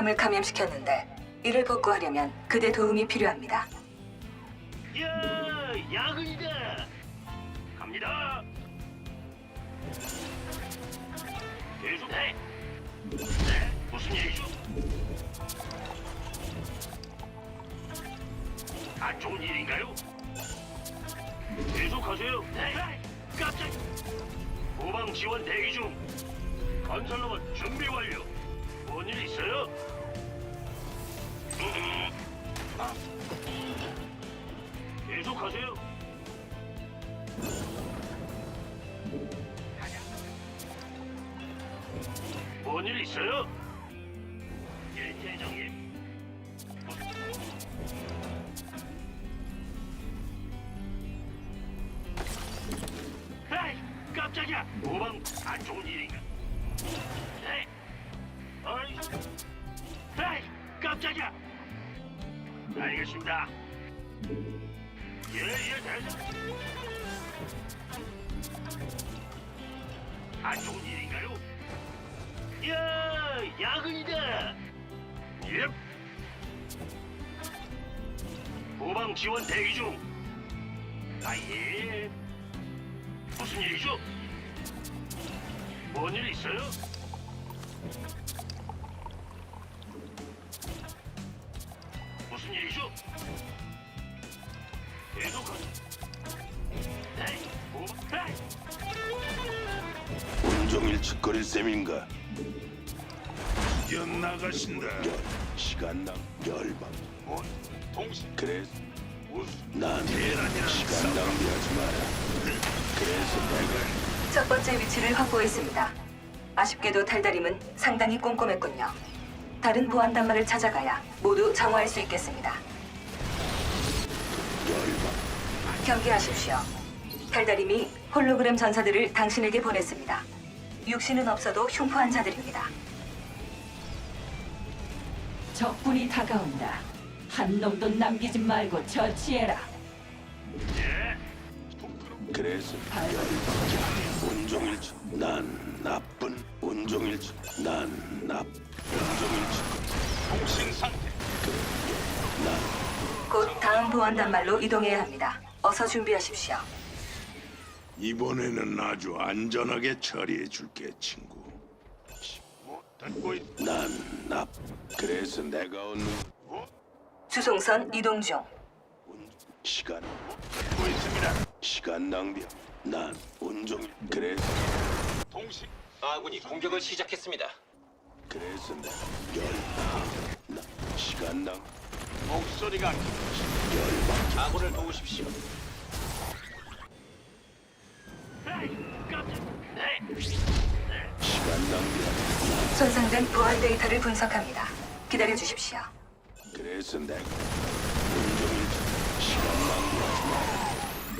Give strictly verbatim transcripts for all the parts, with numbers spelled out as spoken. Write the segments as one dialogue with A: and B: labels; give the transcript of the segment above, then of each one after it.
A: 부담을 감염시켰는데 이를 복구하려면 그대 도움이 필요합니다.
B: 야, 야근이다. 갑니다. 계속 해. 네, 무슨 일이죠? 안 좋은 일인가요? 계속하세요. 네, 깜짝. 후방 지원 대기 중. 건설로봇 준비 완료. 뭔 일 있어요? 음, 아. 계속하세요. 뭔 일 있어요? 예, 대장님. 에이, 깜짝이야. 도망 안 좋은 일인가? 에이, 어이, 에이, 깜짝이야. 알겠습니다. 예, 예, 대장. 안 좋은 일인가요? 야, 야근이다. 예. 후방 지원 대기 중. 아, 예. 무슨 일이죠? 뭔 일 있어요? 무슨 일이죠? 계속하세요. 에이, 후방, 에이.
C: 온종일 짓거릴 셈인가?
D: 뛰어나가신다.
C: 열, 시간당 열방.
D: 뭐, 동시
C: 그래서
D: 무슨
C: 난
D: 계란이랑
C: 시간
D: 싸움.
C: 낭비하지 마라. 그래서 내가
A: 첫 번째 위치를 확보했습니다. 아쉽게도 달달임은 상당히 꼼꼼했군요. 다른 보안 단말을 찾아가야 모두 정화할 수 있겠습니다.
C: 열방.
A: 경계하십시오. 달달임이 홀로그램 전사들을 당신에게 보냈습니다. 육신은 없어도 흉포한 자들입니다.
E: 적군이 다가온다. 한 놈도 남기지 말고 처치해라.
B: 예.
C: 그래서 열방. 온종일 짓. 난 나쁜 온종일 짓. 난 나. 온종일 짓.
D: 동신 상태.
C: 난
A: 곧 다음 보안 단말로 이동해야 합니다. 어서 준비하십시오.
D: 이번에는 아주 안전하게 처리해 줄게, 친구. 뭐 듣고 있?
C: 난 나. 그래서 내가 얻는
D: 뭐
A: 주송선 이동 중.
C: 온 시간
D: 듣고 있습니다.
C: 시간 낭비. 난 온종일 그래서
D: 동신
F: 아군이 공격을 시작했습니다.
C: 그래서 내 열방. 나 시간 낭
D: 목소리가
C: 열방.
F: 아군을 도우십시오.
B: 에이, 깜짝. 네.
C: 시간 낭비하지.
A: 손상된 보안 데이터를 분석합니다. 기다려 주십시오.
C: 그래서 내가 온종일 시간 낭비하지 마.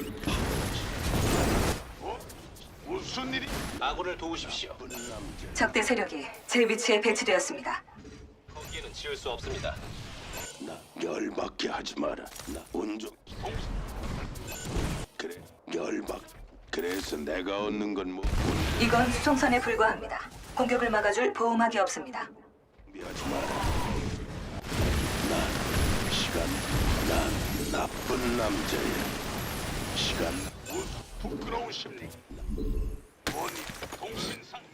D: 뭐 무슨 일이?
F: 아군을 도우십시오.
C: 나쁜 남자.
A: 적대 세력이 제 위치에 배치되었습니다.
F: 거기에는 지을 수 없습니다.
C: 나 열받게 하지 마라. 나 온종
D: 동신
C: 그래 열받. 그래서 내가 얻는 건 뭐?
A: 이건 수송선에 불과합니다. 공격을 막아줄 보호막이 없습니다.
C: 준비하지 마라. 난 시간. 난 나쁜 남자야. 시간.
D: 무슨 부끄러우십니까? 뭐니 동신 상태.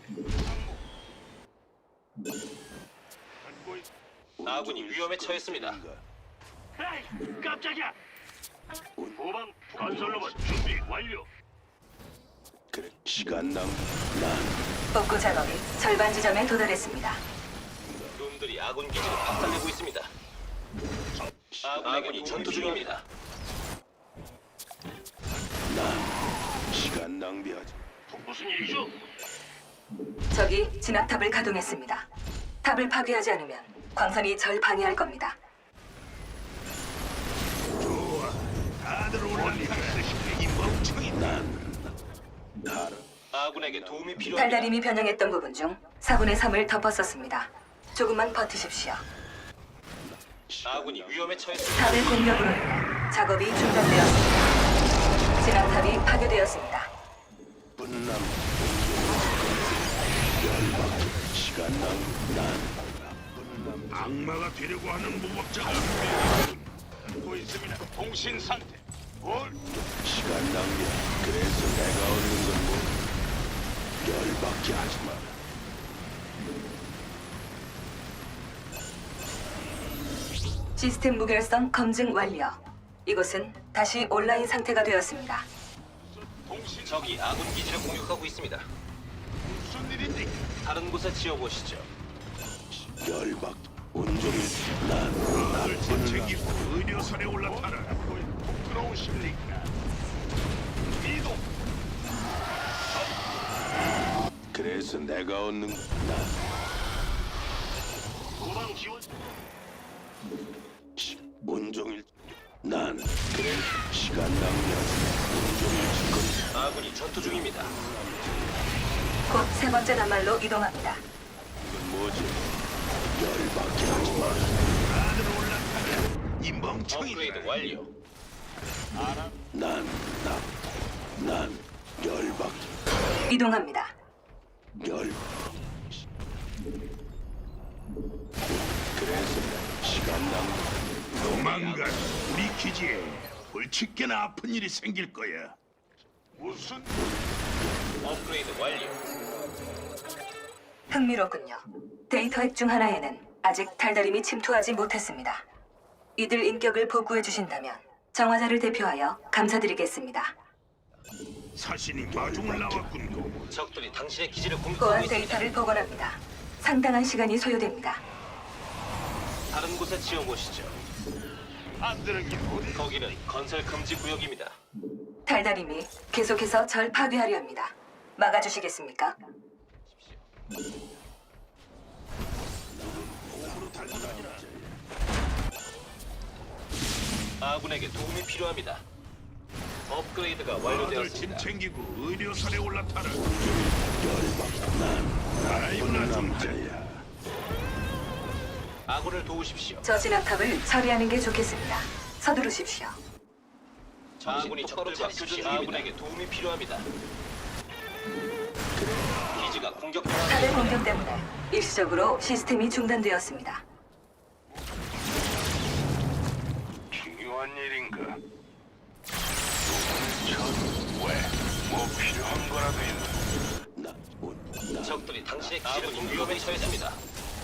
D: 듣고 있.
F: 아군이 위험에 처했습니다.
B: 에이, 깜짝이야.
C: 온-
B: 후방 건설로봇 준비 완료.
C: 그래 시간 낭. 난
A: 복구 작업이 절반 지점에 도달했습니다.
F: 놈들이 아군 기지를 박살내고 있습니다. 아군이 전투 중입니다.
C: 난 시간 낭비하지.
B: 무슨 일이죠?
A: 적이 진압탑을 가동했습니다. 탑을 파괴하지 않으면 광선이 절 방해할 겁니다.
D: 다들 올라니까 이 멍청이.
C: 난 알아.
F: 아군에게 도움이 필요합니다.
A: 달달임이 변형했던 부분 중 사분의 삼을 덮었었습니다. 조금만 버티십시오.
F: 아군이 위험에 처했습니다.
A: 탑의 공격으로 인해 작업이 중단되었습니다. 진압탑이 파괴되었습니다.
C: 나쁜 남. 열받게 시간 낭비. 난 나쁜 남.
D: 악마가 되려고 하는 무법자가
B: 듣고 있습니다. 통신 상태. 뭘?
C: 시간 낭비야. 그래서 내가 얻는 건 뭐? 열받게 하지 마.
A: 시스템 무결성 검증 완료. 이곳은 다시 온라인 상태가 되었습니다.
B: 통신
F: 적이 아군 기지를 공격하고 있습니다.
B: 무슨 일입니까?
F: 다른 곳에 지어보시죠.
C: 열받. 온종일 난
D: 아들
C: 나쁜
D: 챙기고 의료선에 올라타라.
B: 부끄러우십니까? 이동.
C: 그래서 내가 얻는 난
B: 후방 지원.
C: 시- 온종일 난 그래 시간 낭비하지 마. 온종일 짓거리.
F: 아군이 전투 중입니다.
A: 곧 세 번째 단말로 이동합니다.
C: 이건 뭐지? 열받게 하지 마.
D: 아들 올라타라. 이 멍청이들.
F: 업그레이드 완료.
C: 난 나 난 열받게
A: 이동합니다.
C: 열. 그래서 시간 낭비.
D: 조만간 우리 기지에 불치게나 아픈 일이 생길 거야.
B: 무슨
F: 업그레이드 완료.
A: 흥미롭군요. 데이터 핵 중 하나에는 아직 달달임이 침투하지 못했습니다. 이들 인격을 복구해 주신다면 정화자를 대표하여 감사드리겠습니다.
D: 사신이 마중을 나왔군.
F: 적들이 당신의 기지를
A: 보안
F: 공격하고 있습니다.
A: 데이터를 복원합니다. 상당한 시간이 소요됩니다.
F: 다른 곳에 지어보시죠.
B: 안 되는 게 어디?
F: 거기는 건설 금지 구역입니다.
A: 달달임이 계속해서 절 파괴하려 합니다. 막아주시겠습니까?
F: 아군에게 도움이 필요합니다. 업그레이드가
D: 아들 짐
F: 완료되었습니다.
D: 챙기고 의료선에 올라타라.
C: 열받. 난
D: 아이구나
C: 나쁜
D: 좀
C: 남자야.
F: 아군을 도우십시오.
A: 저 진압탑을 처리하는 게 좋겠습니다. 서두르십시오.
F: 아군이 적들과 교전 아군에게 도움이 필요합니다. 기지가
A: 탑의
F: 공격당합니다.
A: 공격 때문에 일시적으로 시스템이 중단되었습니다.
B: 중요한 일인가? 왜? 뭐 필요한 거라도 있나?
C: 나 온. 나
F: 적들이 당신의 기지를 위험에 처했습니다.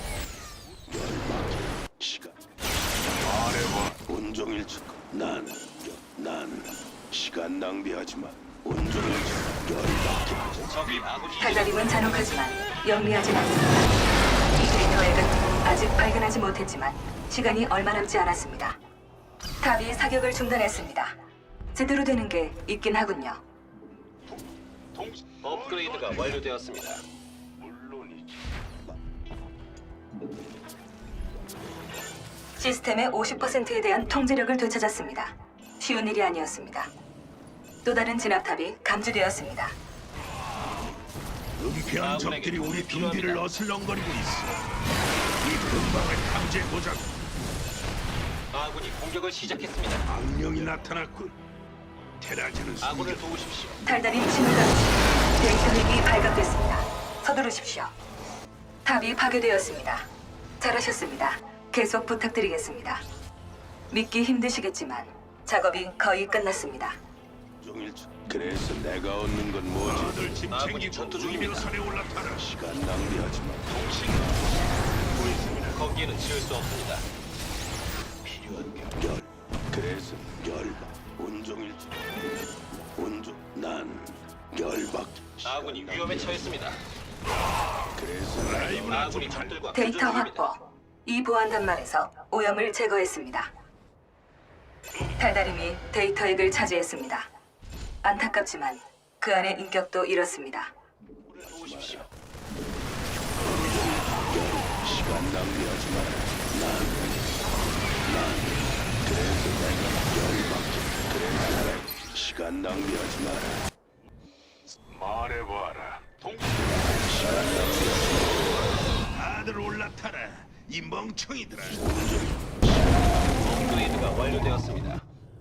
C: 열받게 시간.
B: 말해봐.
C: 온종일 짓고 난, 난 시간 낭비하지 마. 온종일 짓고 열받게 하지 마.
F: 적이 아군 기지를
A: 달달임은 잔혹하지만 영리하진 않습니다. 이 데이터 핵은 아직 발견하지 못했지만 시간이 얼마 남지 않았습니다. 탑이 사격을 중단했습니다. 제대로 되는 게 있긴 하군요.
B: 통신
F: 업그레이드가 완료되었습니다.
B: 물론이지.
A: 시스템의 오십 퍼센트에 대한 통제력을 되찾았습니다. 쉬운 일이 아니었습니다. 또 다른 진압탑이 감지되었습니다.
D: 은폐한 적들이 우리 둥지를 어슬렁거리고 있어. 이 근방을 탐지해보자고.
F: 아군이 공격을 시작했습니다.
D: 악령이 나타났군. 테라지는
F: 아군을
D: 숨겨.
F: 도우십시오.
A: 달달임 신호감 데이터 핵이 발각됐습니다. 서두르십시오. 탑이 파괴되었습니다. 잘하셨습니다. 계속 부탁드리겠습니다. 믿기 힘드시겠지만 작업이 거의 끝났습니다.
C: 온종일 짓. 그래서 내가 얻는 건 뭐지?
D: 아들 짐
F: 아군이
D: 챙기고
F: 전투 중입니다.
D: 의료선에 올라타라.
C: 시간 낭비하지 마.
B: 통신 듣고 있습니다.
F: 거기에는 지을 수 없습니다.
C: 필요한 게 열. 그래서 열받. 온종일 짓. 온종 난 열받.
F: 아군이 위험에 처했습니다.
C: 그래서 내가
D: 아이구나 좀
F: 아군이
D: 잘.
F: 적들과 교전
A: 데이터
F: 중입니다.
A: 확보. 이 보안 단말에서 오염을 제거했습니다. 달달임이 데이터 핵을 차지했습니다. 안타깝지만 그 안의 인격도 잃었습니다.
F: 도우십시오.
C: 시간 낭비하지 마라. 난, 난 그래서 내가 열받게. 그래서 내가 시간 낭비하지 마라.
B: 말해봐라. 통신
C: 시간 낭비하지
D: 아들 올라타라. 이 멍청이들아.
F: 업그레이드가 완료되었습니다.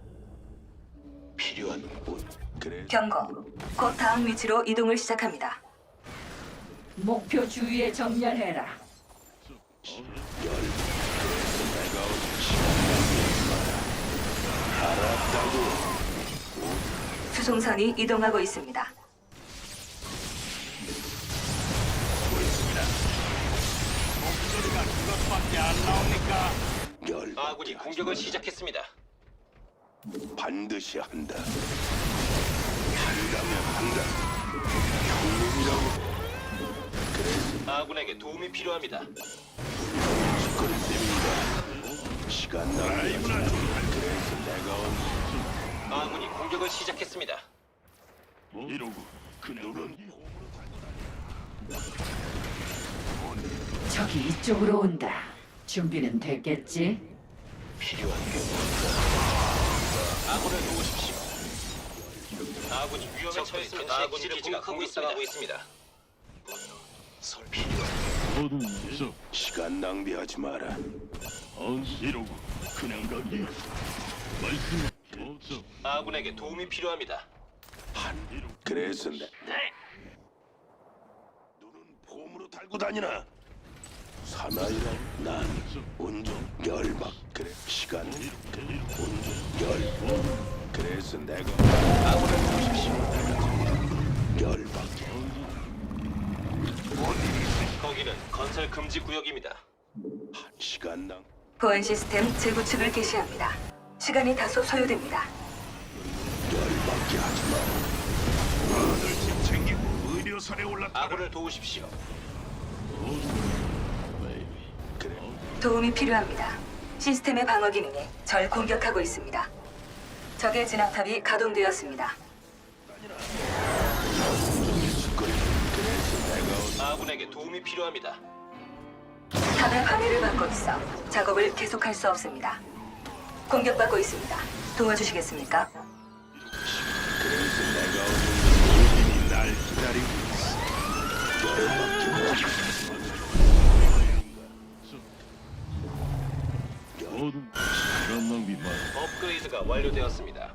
C: 필요한 온. 그래.
A: 경고. 곧 다음 위치로 이동을 시작합니다.
E: 목표 주위에 정렬해라.
C: 열.
A: 수송선이 이동하고 있습니다.
D: 목소리가 그것밖에 안 나옵니까?
C: 열받게
F: 아군이
C: 하지
F: 공격을
C: 마라.
F: 시작했습니다.
C: 반드시 한다. 한다면 한다. 형님이라고. 그래서
F: 아군에게 도움이 필요합니다.
C: 짓거리 셈인가. 시간 낭비하지 마. 그래서 내가 온
F: 아군이 공격을 시작했습니다.
D: 이러고 그 눈은
E: 적이 이쪽으로 온다. 준비는 됐겠지?
F: 필요한 게 아군을 도우십시오. 아군이 위험에 처했습니다. 아군 기지가 공격당하고 있습니다. 설 필요한
D: 모든 적
C: 시간 낭비하지 마라.
D: 이러고 그냥 가기 말씀 없어.
F: 아군에게 도움이 필요합니다.
C: 그래서 내 눈은 폼으로 달고 다니나. 사나이라 난 온종 열박. 그래 시간 온종 열. 그래서 내가
F: 아군을 도우십시오.
C: 열박.
F: 거기는 건설 금지 구역입니다.
C: 시간 낭
A: 보안 시스템 재구축을 개시합니다. 시간이 다소 소요됩니다.
C: 열받게 하지 마.
D: 아들 집 챙기고 의료선에 올라타라.
F: 아군을 도우십시오.
C: 그래
A: 도움이 필요합니다. 시스템의 방어 기능이 절 공격하고 있습니다. 적의 진압탑이 가동되었습니다.
C: 짓거리. 그래서 내가 온
F: 아군에게 도움이 필요합니다.
A: 탑의 방해를 받고 있어 작업을 계속할 수 없습니다. 공격받고 있습니다. 도와주시겠습니까?
C: 그래서 내가 오는 우진이 날 기다리고 있어. 열받게 하지 마.
D: 모든 시간 낭비 말.
F: 업그레이드가 완료되었습니다.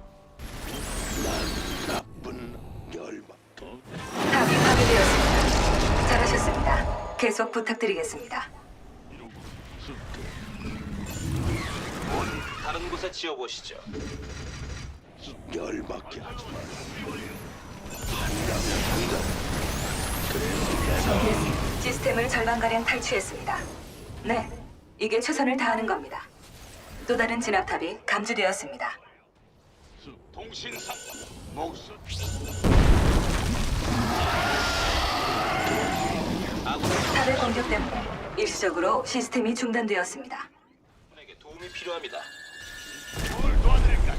C: 난 나쁜 열받.
A: 탑이 파괴되었습니다. 잘하셨습니다. 계속 부탁드리겠습니다.
F: 다른 곳에 지어보시죠.
C: 열받게 하지 마. 한다면 한다. 그래서 내가
A: 시스템을 절반가량 탈취했습니다. 네, 이게 최선을 다하는 겁니다. 또 다른 진압탑이 감지되었습니다.
D: 동신상 목숨
A: 탑의 공격 때문에 일시적으로 시스템이 중단되었습니다.
F: 아군에게 도움이 필요합니다.
D: 뭘 도와드릴까?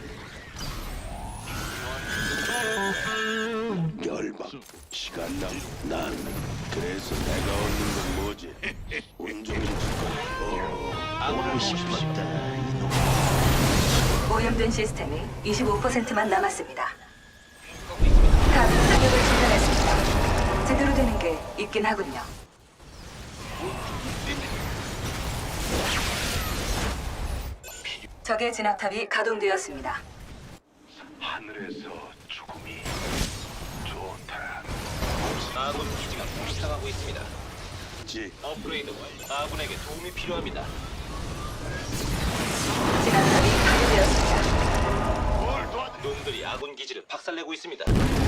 C: 열받. 시간 낭. 난 그래서 내가 얻는 건 뭐지? 온종일 짓거리.
F: 아군을 도우십시오.
A: 오염된 시스템이 이십오 퍼센트만 남았습니다.
F: 하고 있습니다.
A: 탑 사격을 중단했습니다. 제대로 되는 게 있긴 하군요. 적의 진압탑이 가동되었습니다.
C: 하늘에서 죽음이 좋다.
F: 아군 기지가 공격당하고 있습니다.
C: 지
F: 업그레이드 완료. 아군에게 도움이 필요합니다.
A: 진압탑이 파괴되었습니다.
F: 놈들이 아군 기지를 박살내고 있습니다.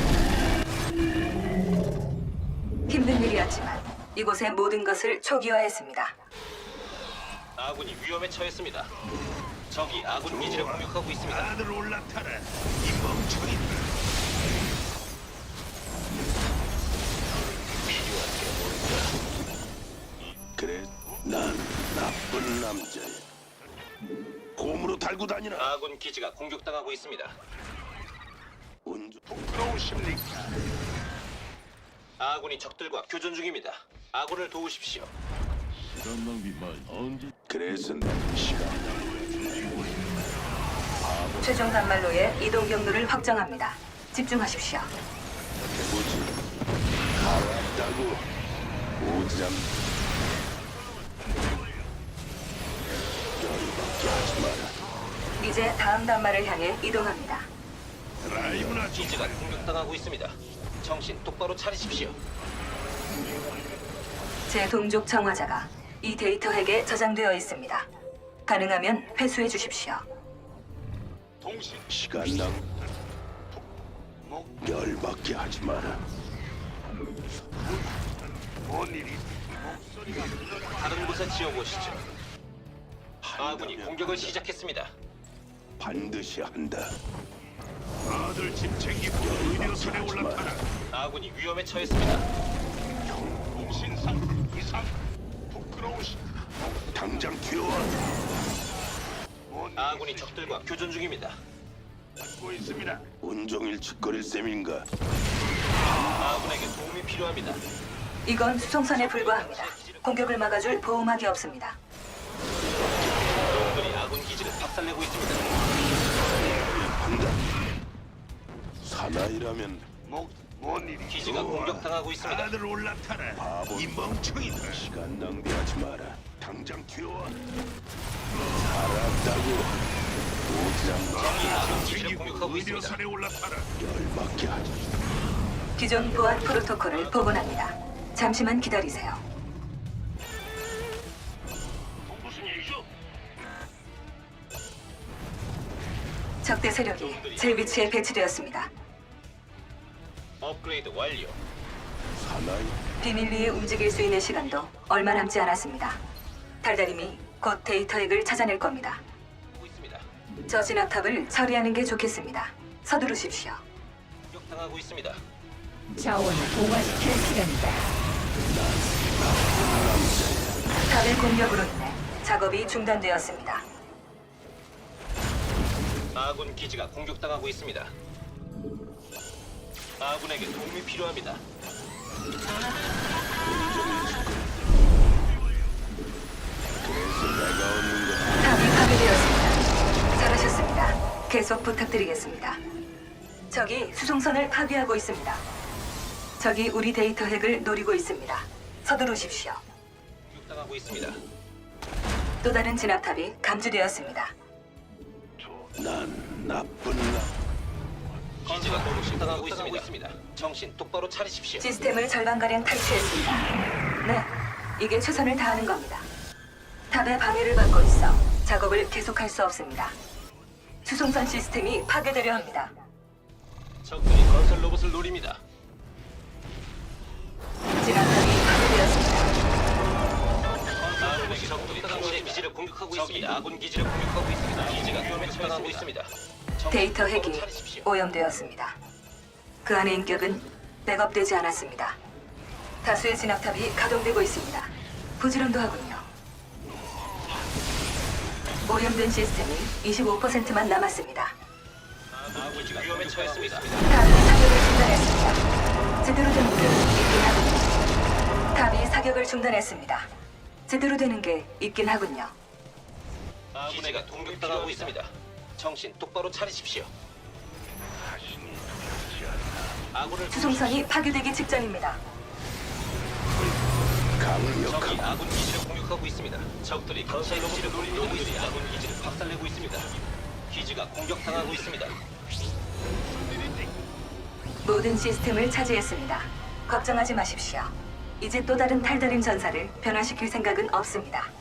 A: 힘든 일이었지만 이곳의 모든 것을 초기화했습니다.
F: 아군이 위험에 처했습니다. 적이 아군 기지를 공격하고 있습니다.
D: 다들 올라타라. 이 멍청이들.
C: 그래 난 나쁜 남자야. 곰으로 달고 다니나.
F: 아군 기지가 공격당하고 있습니다.
C: 온종
D: 부끄러우십니까?
F: 아군이 적들과 교전 중입니다. 아군을 도우십시오.
D: 시간 낭비 말. 언제
C: 그래서 내 시간
A: 최종 단말로의 이동 경로를 확정합니다. 집중하십시오.
C: 해보지. 알았다고. 오지랖. 열받게 하지 마라.
A: 이제 다음 단말을 향해 이동합니다.
D: 라이브나 좀
F: 기지가 공격당하고 있습니다. 정신 똑바로 차리십시오.
A: 제 동족 청화자가 이 데이터 핵에 저장되어 있습니다. 가능하면 회수해 주십시오.
D: 동신
C: 시간 낭. 열받게 하지 마라.
B: 뭔 일이?
F: 다른 곳에 지어보시죠. 아군이 공격을 시작했습니다.
C: 반드시 한다.
D: 다들 짐 챙기고 의료선에 올라타라.
F: 아군이 위험에 처했습니다.
B: 신상 이상 부끄러우시.
C: 당장 튀어와.
B: 뭔
F: 아군이 적들과 교전 중입니다.
B: 듣고 있습니다.
C: 온종일 짓거릴 셈인가?
F: 아군에게 도움이 필요합니다.
A: 이건 수송선에 불과합니다. 공격을 막아줄 보호막이 없습니다.
F: 놈들이 아군 기지를 박살내고 있습니다.
C: 한다. 사나이라면
B: 뭐뭔 일이?
F: 기지가 공격당하고 있습니다.
D: 다들 올라타라.
C: 바보.
D: 이 멍청이들.
C: 시간 낭비하지 마라. 당장 튀어와. 알았다고. 오지랖
F: 적이 아군 기지를
D: 챙기고
F: 공격하고 있습니다.
D: 의료선에 올라타라.
C: 열받게 하지.
A: 기존 보안 프로토콜을 복원합니다. 잠시만 기다리세요.
B: 무슨 일이죠?
A: 적대 세력이 제 위치에 배치되었습니다.
F: 업그레이드 완료.
C: 사나이.
A: 비밀리에 움직일 수 있는 시간도 얼마 남지 않았습니다. 달달임이 곧 데이터 핵을 찾아낼 겁니다.
F: 하고 있습니다.
A: 저 진압탑을 처리하는 게 좋겠습니다. 서두르십시오.
F: 공격당하고 있습니다.
E: 자원을 동화시킬 시간이다.
A: 탑의 공격으로 인해 작업이 중단되었습니다.
F: 아군 기지가 공격당하고 있습니다. 아군에게 도움이 필요합니다.
C: 그래서 내가 얻는 건
A: 탑이 파괴되었습니다. 잘하셨습니다. 계속 부탁드리겠습니다. 적이 수송선을 파괴하고 있습니다. 적이 우리 데이터 핵을 노리고 있습니다. 서두르십시오.
F: 공격당하고 있습니다.
A: 또 다른 진압탑이 감지되었습니다.
C: 난 나쁜 나.
F: 기지가 공격당하고 있습니다. 정신 똑바로 차리십시오.
A: 시스템을 절반가량 탈취했습니다. 네, 이게 최선을 다하는 겁니다. 탑의 방해를 받고 있어 작업을 계속할 수 없습니다. 수송선 시스템이 파괴되려 합니다.
F: 적들이 건설 로봇을 노립니다.
A: 진압탑이 파괴되었습니다.
F: 아군에게 적들이 당신의 기지를 공격하고 있습니다. 아군 기지를 공격하고 있습니다. 기지가 위험에 처하고 있습니다. 정신
A: 데이터
F: 똑바로
A: 핵이
F: 차리십시오.
A: 오염되었습니다. 그 안의 인격은 백업되지 않았습니다. 다수의 진압탑이 가동되고 있습니다. 부지런도 하군요. 오염된 시스템이 이십오 퍼센트만 남았습니다.
F: 아군 기지가 위험에 처했습니다.
A: 탑이 사격을 중단했습니다. 제대로 된 게 있긴 하군요. 탑이 사격을 중단했습니다. 제대로 되는 게 있긴 하군요.
F: 기지가 공격당하고 있습니다. 정신 똑바로 차리십시오. 아군을
A: 수송선이 파괴되기 직전입니다.
F: 적이
C: 강력한
F: 아군 기지를 공격하고 있습니다. 적들이 건설 로봇을 노리고 있습니다. 아군 기지를 박살내고 있습니다. 기지가 공격당하고 있습니다.
A: 모든 시스템을 차지했습니다. 걱정하지 마십시오. 이제 또 다른 탈다림 전사를 변화시킬 생각은 없습니다.